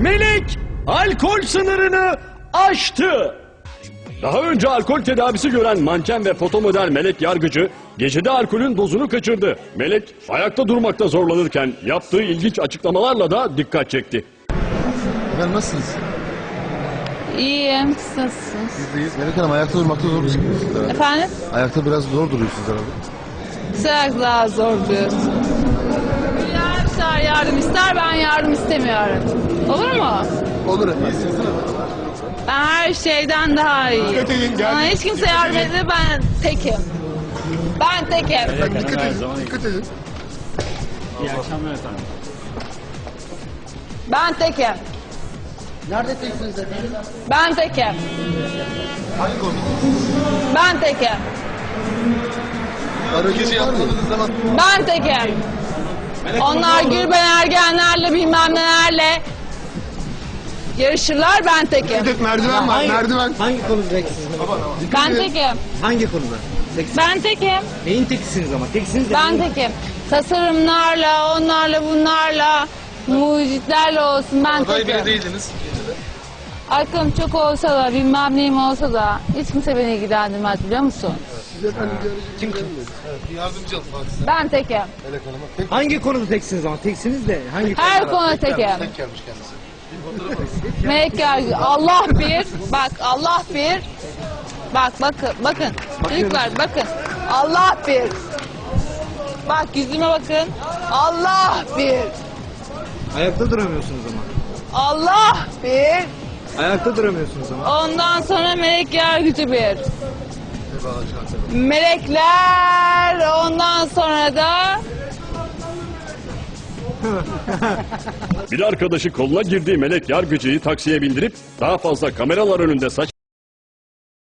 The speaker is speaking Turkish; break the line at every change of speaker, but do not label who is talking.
Melek alkol sınırını aştı. Daha önce alkol tedavisi gören manken ve fotomodel Melek Yargıcı gecede alkolün dozunu kaçırdı. Melek ayakta durmakta zorlanırken yaptığı ilginç açıklamalarla da dikkat çekti.
Efendim nasılsınız?
İyiyim, siz nasılsınız?
Biz deyiz. Melek Hanım ayakta durmakta zor musunuz herhalde?
Efendim?
Ayakta biraz zor duruyorsunuz herhalde.
Sırak daha zor diyorsun. Hülya'ya yardım ister, ben yardım istemiyorum. Olur mu?
Olur efendim.
Ben her şeyden daha iyiyim. Bana hiç kimse yardım etmedi, ben tekim. Ben tekim.
Dikkat edin. Dikkat edin.
İyi akşamlar efendim.
Ben tekim.
Nerede teksiniz efendim?
Ben tekim.
Hangi konu?
Ben tekim.
Aracınız yapmadığınız zaman
Ben tekim. Onlar Gülben Ergenlerle bilmem nelerle yarışırlar, ben tekim.
merdiven var. Merdiven.
Hangi konuda teksiniz?
Ben tekim.
Hangi konuda? Teksiniz.
Ben tekim.
Neyin tekisiniz ama? Teksiniz de
Ben tekim. Tasarımlarla, onlarla, bunlarla, mucitlerle olsun, ben
Aday bile
tekim.
değildiniz.
Aklım çok olsa da, bilmem neyim olsa da hiç kimse beni ilgilendirmez, biliyor musun?
Siz efendim bir aracı yardımcı alın bak size.
Ben tekim.
Melek Hanım'a. Tek
Hangi konuda teksiniz ama? Teksiniz de hangi
Her konuda tekim.
tek gelmiş kendisi.
Melek Yargı, Allah bir, bak Allah bir, bak bakın, çocuklar bakın, Allah bir. Bak yüzüme bakın, Allah bir,
Ayakta duramıyorsunuz ama.
Allah bir,
Ayakta duramıyorsunuz ama.
ondan sonra Melek Yargıcı bir. Melekler, ondan sonra da
Bir arkadaşı koluna girdiği Melek Yargıcı'yı taksiye bindirip daha fazla kameralar önünde saç